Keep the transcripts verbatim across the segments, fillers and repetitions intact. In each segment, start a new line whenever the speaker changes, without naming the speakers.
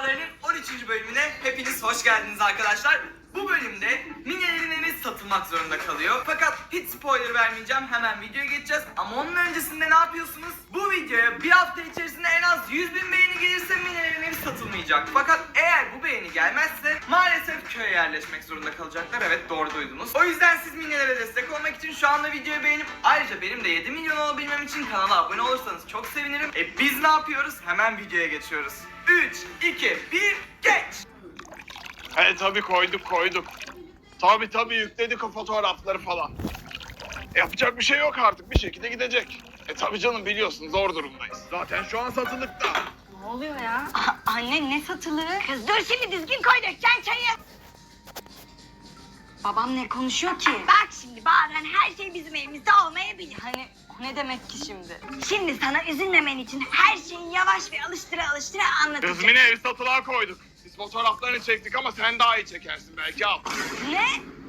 Maceralarının on üçüncü bölümüne hepiniz hoş geldiniz arkadaşlar. Bu bölümde Mine'lerin evi satılmak zorunda kalıyor. Fakat hiç spoiler vermeyeceğim, hemen videoya geçeceğiz. Ama onun öncesinde ne yapıyorsunuz? Bu videoya bir hafta içerisinde en az yüz bin beğeni gelirse Mine'lerin evi satılmayacak. Fakat eğer bu beğeni gelmezse maalesef köye yerleşmek zorunda kalacaklar. Evet, doğru duydunuz. O yüzden siz Mine'lere destek olmak için şu anda videoyu beğenip ayrıca benim de yedi milyon olabilmem için kanala abone olursanız çok sevinirim. E biz ne yapıyoruz? Hemen videoya geçiyoruz. üç, iki, bir, geç!
He tabii koyduk koyduk. Tabii tabii yükledik o fotoğrafları falan. Yapacak bir şey yok artık, bir şekilde gidecek. E tabii canım, biliyorsun zor durumdayız. Zaten şu an satılıkta.
Ne oluyor ya? A- anne ne satılığı? Kız dur şimdi düzgün koy dökeceksin çayı. Babam ne konuşuyor ki?
Bak şimdi bazen her şey bizim elimizde olmayabilir.
Hani o ne demek ki şimdi?
Şimdi sana üzülmemen için her şeyi yavaş ve alıştıra alıştıra anlatacağım.
Kız Mine, ev satılığa koyduk. Biz fotoğraflarını çektik ama sen daha iyi çekersin belki, al.
Ne?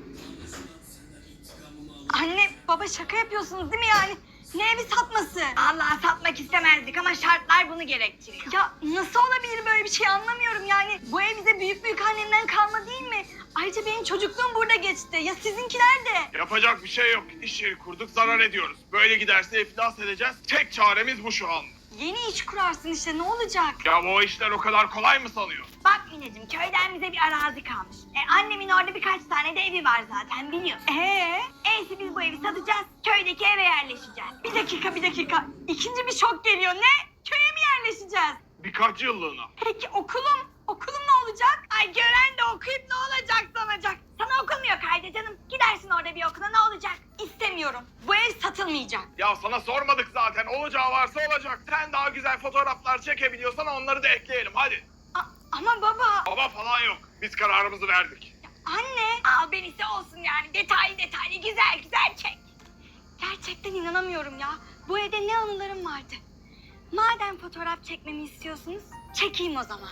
Anne baba şaka yapıyorsunuz değil mi yani? Ne evi satması?
Vallahi satmak istemezdik ama şartlar bunu gerektiriyor.
Ya nasıl olabilir böyle bir şey, anlamıyorum yani. Bu ev bize büyük büyük annemden kalma değil mi? Ayrıca benim çocukluğum burada geçti. Ya sizinkiler de.
Yapacak bir şey yok. İş yeri kurduk, zarar ediyoruz. Böyle giderse iflas edeceğiz. Tek çaremiz bu şu an.
Yeni iş kurarsın işte, ne olacak?
Ya bu işler o kadar kolay mı sanıyor?
Bak Mineciğim, köyden bize bir arazi kalmış. E, annemin orada birkaç tane de evi var zaten biliyorsun.
Ee?
Eyse biz bu evi satacağız, köydeki eve yerleşeceğiz.
Bir dakika bir dakika. İkinci bir şok geliyor. Ne? Köye mi yerleşeceğiz?
Birkaç yıllığına.
Peki okulum? Okulum ne olacak?
Ay gören de okuyup ne olacak sanacak. Sana okul mu yok Haydi canım? Gidersin orada bir okula, ne olacak?
İstemiyorum. Bu ev satılmayacak.
Ya sana sormadık zaten. Olacağı varsa olacak. Sen daha güzel fotoğraflar çekebiliyorsan onları da ekleyelim, hadi.
A- ama baba.
Baba falan yok. Biz kararımızı verdik.
Anne.
Al benisi olsun yani, detaylı detaylı güzel güzel çek.
Gerçekten inanamıyorum ya. Bu evde ne anılarım vardı. Madem fotoğraf çekmemi istiyorsunuz, çekeyim o zaman.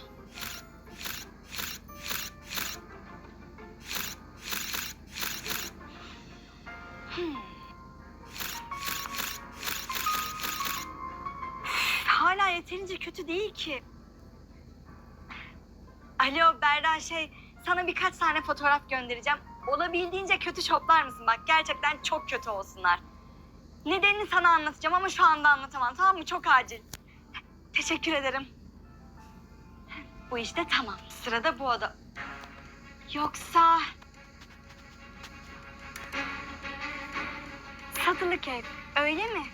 Hmm. Hala yeterince kötü değil ki. Alo Berra, şey, sana birkaç tane fotoğraf göndereceğim. Olabildiğince kötü şoplar mısın? Bak gerçekten çok kötü olsunlar. Nedenini sana anlatacağım ama şu anda anlatamam, tamam mı? Çok acil. Teşekkür ederim. Bu işte tamam. Sırada bu oda. Yoksa... Satılık ev, öyle mi?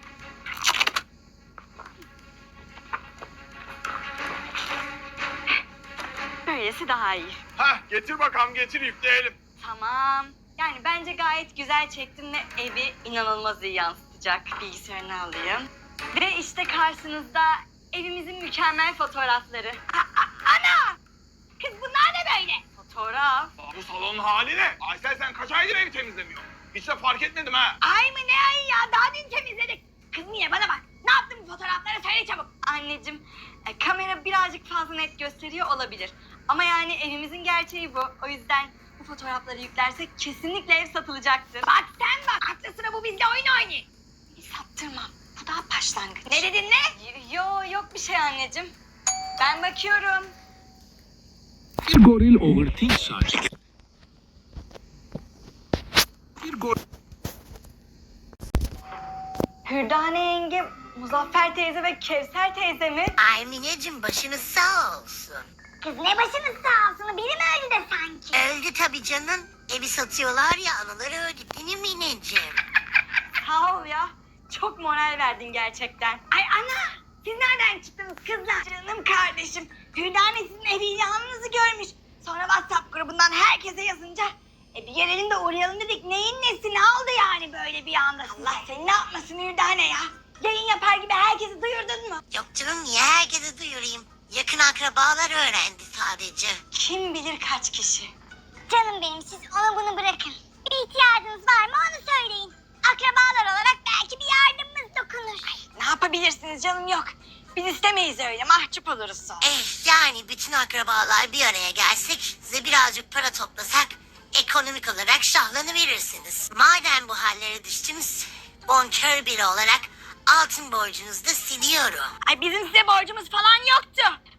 Böylesi daha iyi.
Heh, getir bakalım, getir, yükleyelim.
Tamam. Yani bence gayet güzel çektim ve evi inanılmaz iyi yansıtacak. Bilgisayarını alayım. Ve işte karşınızda evimizin mükemmel fotoğrafları.
A- a- ana! Kız bunlar ne böyle?
Fotoğraf.
Aa, bu salonun hali ne? Aysel, sen kaç aydır evi temizlemiyorsun? Hiç de fark etmedim ha.
Ay mı ne ay ya, daha dün temizledik. Kız niye bana bak, ne yaptın bu fotoğraflara, söyle çabuk.
Anneciğim, e, kamera birazcık fazla net gösteriyor olabilir. Ama yani evimizin gerçeği bu. O yüzden bu fotoğrafları yüklersek kesinlikle ev satılacaktır.
Bak sen bak, aklı sıra bu bizle oyun oynuyor.
Sattırmam. Bu daha başlangıç.
Ne dedin ne?
Y- Yo, yok bir şey anneciğim. Ben bakıyorum.
Bir goril overthink saç. Bir goril
Hürdane yenge, Muzaffer teyze ve Kevser teyze mi?
Ay Mineciğim, başınız sağ olsun.
Kız ne başınız sağ olsun, biri mi öldü de sanki?
Öldü tabii canım. Evi satıyorlar ya, anıları öldü değil mi Mineciğim?
Sağ ol ya. Çok moral verdin gerçekten.
Ay ana, siz nereden çıktınız kızlar? Canım kardeşim, Hürdane sizin evi ilanınızı görmüş. Sonra WhatsApp grubundan herkese yazınca e bir gelelim de uğrayalım dedik. Neyin nesi, ne oldu yani böyle bir anda? Allah seni ne yapmasın Hürdane ya? Yayın yapar gibi herkesi duyurdun mu?
Yok canım, niye herkese duyurayım? Yakın akrabalar öğrendi sadece.
Kim bilir kaç kişi.
Canım benim, siz onu bunu bırakın. Bir ihtiyacınız var mı onu söyleyin. Akrabalar olarak belki bir yardımımız dokunur.
Ne yapabilirsiniz canım, yok. Biz istemeyiz öyle, mahcup oluruz sonra.
Eh yani bütün akrabalar bir araya gelsek, size birazcık para toplasak, ekonomik olarak şahlanıverirsiniz. Madem bu hallere düştünüz, bonkör biri olarak altın borcunuzu da siliyorum.
Ay bizim size borcumuz falan yoktu.
Annem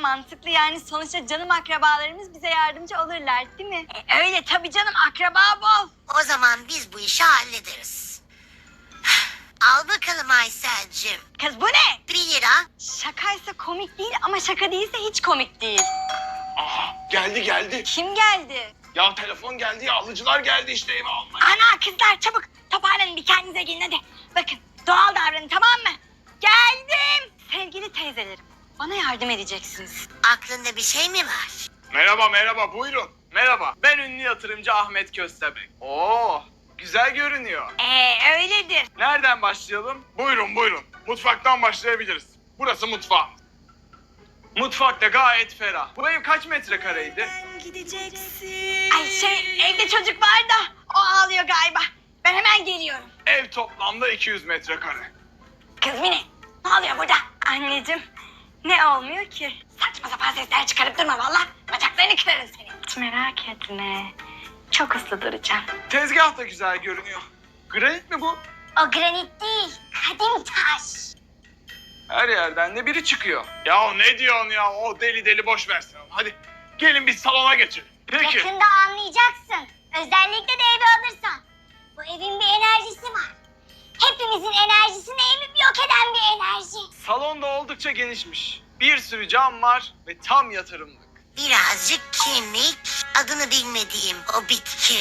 mantıklı yani sonuçta canım akrabalarımız bize yardımcı olurlar değil mi?
E, öyle tabii canım, akraba bol.
O zaman biz bu işi hallederiz. Al bakalım Aysel'cim.
Kız bu ne?
Bir lira.
Şakaysa komik değil ama şaka değilse hiç komik değil.
Aha geldi geldi.
Kim geldi?
Ya telefon geldi ya alıcılar geldi işte eve almaya.
Ana kızlar çabuk toparlanın, bir kendinize gelin hadi. Bakın doğal davranın, tamam mı? Geldim.
Sevgili teyzelerim, bana yardım edeceksiniz.
Aklında bir şey mi var?
Merhaba merhaba buyurun.
Merhaba, ben ünlü yatırımcı Ahmet Köstebek. Oo, güzel görünüyor.
Ee öyledir.
Nereden başlayalım?
Buyurun buyurun. Mutfaktan başlayabiliriz. Burası mutfağım.
Mutfakta gayet ferah. Bu ev kaç metrekareydi?
Ay şey, evde çocuk var da o ağlıyor galiba. Ben hemen geliyorum.
Ev toplamda iki yüz metrekare.
Kız Mine, ne oluyor burada?
Anneciğim, ne olmuyor ki?
Saçma sapan sesler çıkarıp durma valla. Bacaklarını kırarım seni.
Hiç merak etme. Çok ıslı duracağım.
Tezgah da güzel görünüyor. Granit mi bu?
O granit değil, kadim taş.
Her yerden de biri çıkıyor.
Ya ne diyorsun ya? O deli deli boş versin. Hadi gelin biz salona geçelim. Peki.
Yakında anlayacaksın. Özellikle de evi alırsan. Bu evin bir enerjisi var. Hepimizin enerjisini emip yok eden bir enerji.
Salonda oldukça genişmiş. Bir sürü cam var ve tam yatırımlık.
Birazcık kemik, adını bilmediğim o bitki.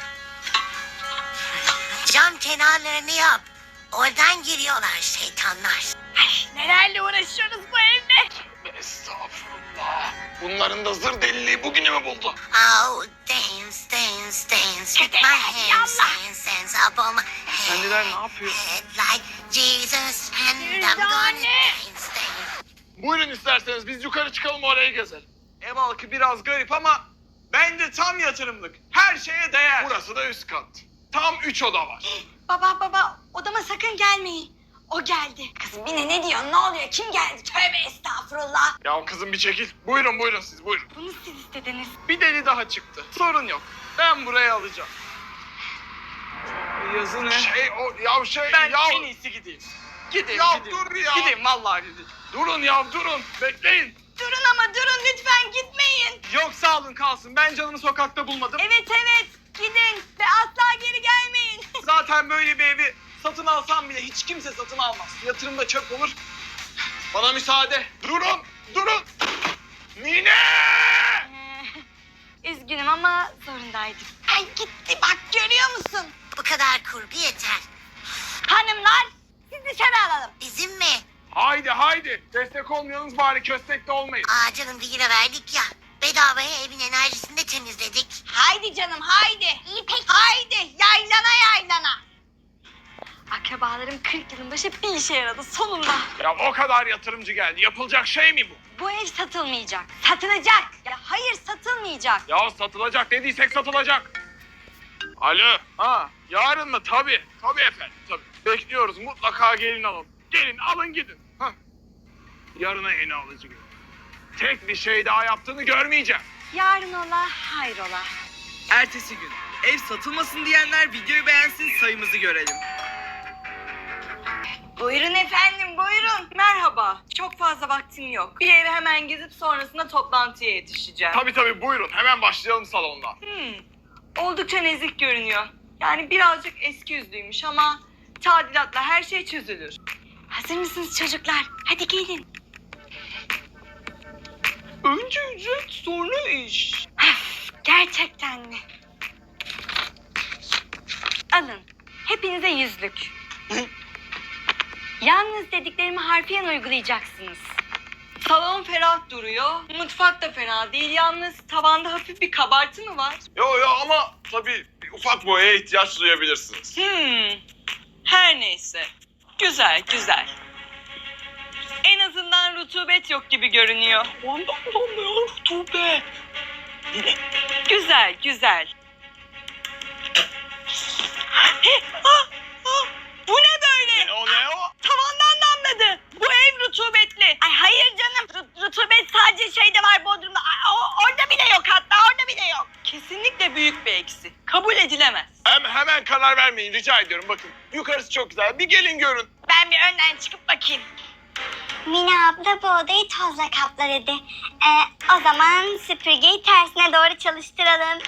Cam kenarlarını yap. Oradan giriyorlar şeytanlar.
Nelerle uğraşıyoruz bu evde?
Estağfurullah. Bunların da zır deliliği bugünü mü buldu?
Oh, dance, dance, dance with my hands, hands, hands up on my head.
Kendiler ne yapıyor?
Head like Jesus and I'm gonna dance, dance.
Buyurun isterseniz biz yukarı çıkalım orayı gezelim.
Ev halkı biraz garip ama bence tam yatırımlık. Her şeye değer.
Burası da üst kat. Tam üç oda var.
Baba baba, odama sakın gelmeyin. O geldi. Kızım Mine ne diyorsun? Ne oluyor? Kim geldi? Tövbe estağfurullah.
Ya kızım bir çekil. Buyurun buyurun siz buyurun.
Bunu siz istediniz.
Bir deli daha çıktı. Sorun yok. Ben buraya alacağım. Yazı ne?
Şey o ya şey
Ben
ya.
en iyisi gideyim. Gideyim
Ya
gideyim.
dur ya.
Gideyim vallahi gideyim.
Durun ya durun. Bekleyin.
Durun ama durun lütfen, gitmeyin.
Yok sağ olun kalsın. Ben canımı sokakta bulmadım.
Evet evet, gidin ve asla geri gelmeyin.
Zaten böyle bir evi satın alsam bile hiç kimse satın almaz. Yatırımda çöp olur. Bana müsaade.
Durun. Durun. Mine!
Ee, üzgünüm ama zorundaydım.
Ay gitti bak, görüyor musun?
Bu kadar kurgu yeter.
Hanımlar, siz dışarı alalım.
Bizim mi?
Haydi haydi. Destek olmayanız bari köstekte olmayın.
Aa canım bir lira verdik ya. Bedavaya evin enerjisini de temizledik.
Haydi canım haydi. İyi peki. Haydi yaylana yaylana.
Akrabalarım kırk yılın başı bir işe yaradı sonunda.
Ya o kadar yatırımcı geldi. Yapılacak şey mi bu?
Bu ev satılmayacak.
Satılacak.
Ya hayır satılmayacak.
Ya satılacak dediysek satılacak. Alo. Ha yarın mı? Tabii. Tabii efendim tabii. Bekliyoruz mutlaka gelin alın. Gelin alın gidin. Hah. Yarına yeni alıcı gelir. Tek bir şey daha yaptığını görmeyeceğim.
Yarın ola hayrola.
Ertesi gün. Ev satılmasın diyenler videoyu beğensin, sayımızı görelim.
Buyurun efendim buyurun.
Merhaba. Çok fazla vaktim yok. Bir evi hemen gezip sonrasında toplantıya yetişeceğim.
Tabii tabii buyurun. Hemen başlayalım salondan.
Hmm, oldukça nezik görünüyor. Yani birazcık eski yüzlüymüş ama tadilatla her şey çözülür. Hazır mısınız çocuklar? Hadi gelin.
Önce ücret sonra iş.
Öf, gerçekten mi? Alın. Hepinize yüzlük. Yalnız dediklerimi harfiyen uygulayacaksınız. Salon ferah duruyor. Mutfak da fena değil. Yalnız tavanda hafif bir kabartı mı var?
Yo yo ama tabii bir ufak boyaya ihtiyaç duyabilirsiniz.
Hmm. Her neyse. Güzel, güzel. En azından rutubet yok gibi görünüyor.
Ondan dolayı rutubet.
Güzel, güzel. He, ah, ah, bu ne böyle?
Ne o ne o?
Tavandan damladı. Bu ev rutubetli.
Ay hayır canım, Ru- rutubet sadece şeyde var, Bodrum'da. Ay, o- orada bile yok, hatta orada bile yok.
Kesinlikle büyük bir eksi. Kabul edilemez.
Hem, hemen karar vermeyin rica ediyorum bakın. Yukarısı çok güzel. Bir gelin görün.
Ben bir önden çıkıp bakayım. Mine abla bu odayı tozla kapla dedi. Ee, o zaman süpürgeyi tersine doğru çalıştıralım.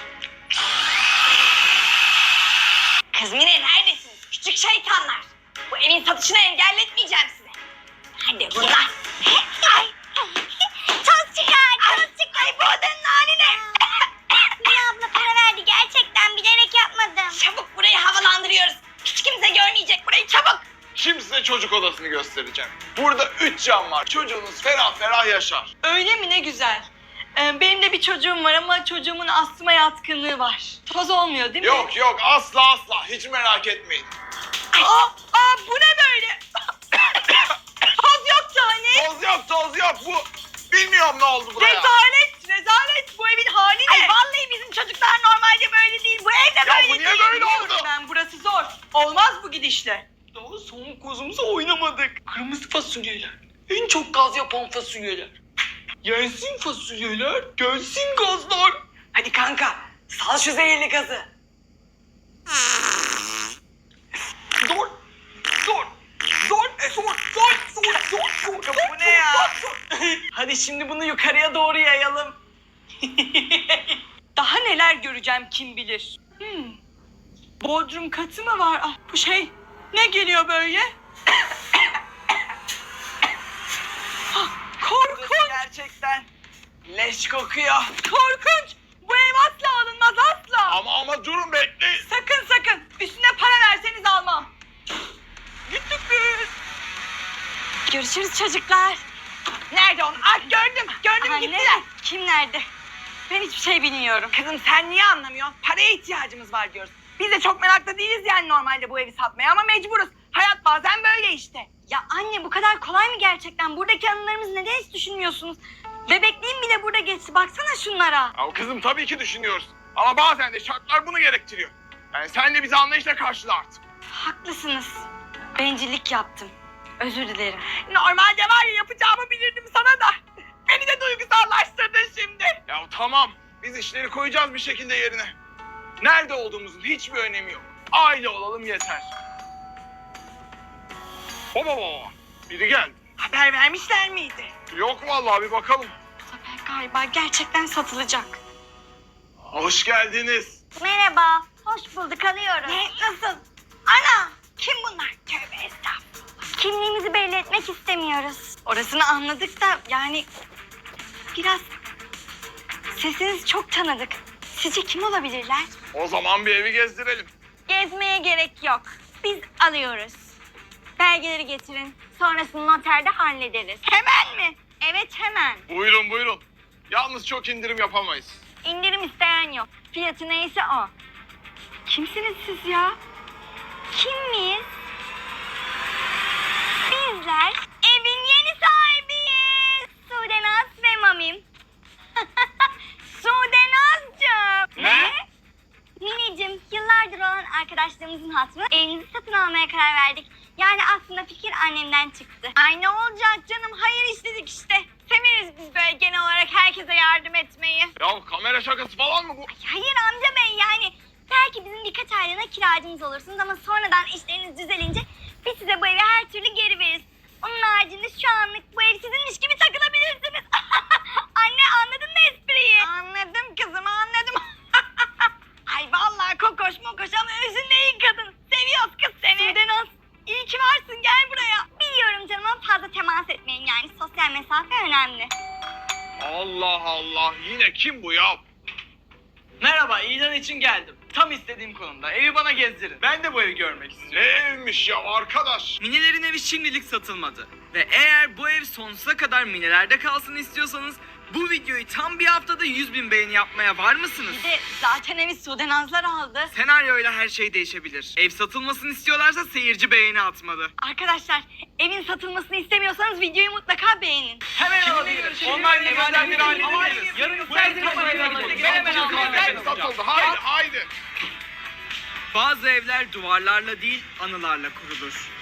Kız Mine neredesiniz? Küçük şeytanlar. Bu evin satışını engelletmeyeceğim size. Hadi bunlar.
Ay, toz çıkar, toz çıkar. Bu odanın haline. Mine abla para verdi. Gerçekten bilerek yapmadım.
Çabuk burayı havalandırıyoruz. Hiç kimse görmeyecek burayı, çabuk.
Şimdi size çocuk odasını göstereceğim. Burada üç cam var. Çocuğunuz ferah ferah yaşar.
Öyle mi, ne güzel. Ee, benim de bir çocuğum var ama çocuğumun astıma yatkınlığı var. Toz olmuyor değil mi?
Yok yok asla asla hiç merak etmeyin.
Aa, aa bu ne böyle? Toz yoktu hani.
Toz yok toz yok bu. Bilmiyorum ne oldu buraya.
Rezalet, rezalet. Bu evin hali ne?
Ay vallahi bizim çocuklar normalde böyle değil. Bu evde
Ya
böyle
bu niye
değil.
böyle oldu?
Ben, burası zor. Olmaz bu gidişle. Daha son kozumuzu oynamadık. Kırmızı fasulyeler. En çok gaz yapan fasulyeler. Yensin fasulyeler, gelsin gazlar. Hadi kanka, sal şu zehirli gazı. Dur, dur, dur, dur, dur, dur, dur, dur. Bu ne ya? Hadi şimdi bunu yukarıya doğru yayalım. Daha neler göreceğim kim bilir. Hmm. Bodrum katı mı var? Ah, bu şey ne geliyor böyle? Ah, korkunç. Gerçekten leş kokuyor. Korkunç. Bu ev asla alınmaz asla.
Ama ama durun bekleyin.
Sakın sakın. Üstüne para verseniz almam. Gittik biz. Görüşürüz çocuklar. Nerede onlar? Ah, gördüm. Gördüm
Anne,
gittiler. Kim nerede? Ben hiçbir şey bilmiyorum. Kızım sen niye anlamıyorsun? Paraya ihtiyacımız var diyoruz. Biz de çok meraklı değiliz yani normalde bu evi satmaya ama mecburuz. Hayat bazen böyle işte.
Ya anne bu kadar kolay mı gerçekten? Buradaki anılarımızı neden hiç düşünmüyorsunuz? Bebekliğim bile burada geçti. Baksana şunlara.
Ya kızım tabii ki düşünüyoruz. Ama bazen de şartlar bunu gerektiriyor. Yani sen de bizi anlayışla karşıla artık.
Haklısınız. Bencillik yaptım. Özür dilerim.
Normalde var ya yapacağımı bilirdim sana da. Beni de duygusallaştırdın şimdi.
Ya tamam biz işleri koyacağız bir şekilde yerine. Nerede olduğumuzun hiçbir önemi yok. Aile olalım yeter. Baba baba. Biri geldi.
Haber vermişler miydi?
Yok vallahi bir bakalım.
Bu sefer galiba gerçekten satılacak.
Hoş geldiniz.
Merhaba. Hoş bulduk. Alıyoruz.
Ne? Nasıl? Ana! Kim bunlar? Tövbe estağfurullah.
Kimliğimizi belli etmek istemiyoruz.
Orasını anladık da yani
Biraz sesiniz çok tanıdık. Sizce kim olabilirler?
O zaman bir evi gezdirelim.
Gezmeye gerek yok. Biz alıyoruz. Belgeleri getirin. Sonrasını noterde hallederiz.
hemen mi?
Evet hemen.
Buyurun buyurun. Yalnız çok indirim yapamayız.
İndirim isteyen yok. Fiyatı neyse o. Kimsiniz siz ya? Kim miyiz? Bizler evin yeni sahibiyiz. Sudenaz ve Mamim. Sudenaz'cığım.
Ne?
Mineciğim, yıllardır olan arkadaşlarımızın hatırına evinizi satın almaya karar verdik. Yani aslında fikir annemden çıktı.
Ay ne olacak canım? Hayır istedik işte. Severiz biz böyle genel olarak herkese yardım etmeyi.
Ya kamera şakası falan mı bu?
Hayır amca bey, yani belki bizim birkaç aylığına kiracımız olursunuz ama sonradan işleriniz düzelince biz size bu evi her türlü geri veririz. Onun haricinde şu anlık bu ev sizinmiş gibi takılabilirsiniz. Anne, anladın mı espriyi?
Anladım kızım, anladım. Ay vallahi kokoş mokoş ama özünde iyi kadın. Seviyoruz kız seni.
Sudenaz,
İyi ki varsın, gel buraya.
biliyorum canım ama fazla temas etmeyin, yani sosyal mesafe önemli.
Allah Allah yine kim bu ya?
Merhaba, ilan için geldim. Tam istediğim konumda. Evi bana gezdirin. Ben de bu evi görmek
Ne
istiyorum.
evmiş ya arkadaş?
Minelerin evi şimdilik satılmadı. Ve eğer bu ev sonsuza kadar minelerde kalsın istiyorsanız bu videoyu tam bir haftada yüz bin beğeni yapmaya var mısınız?
Bir de zaten evi Sudenazlar aldı.
Senaryoyla her şey değişebilir. Ev satılmasını istiyorlarsa seyirci beğeni atmalı.
Arkadaşlar, evin satılmasını istemiyorsanız videoyu mutlaka beğenin.
Hemen alabiliriz. Online evinden bir halledebiliriz. Yarın bu evi hemen almalıyız.
Satıldı haydi haydi.
Bazı evler duvarlarla değil anılarla kurulur.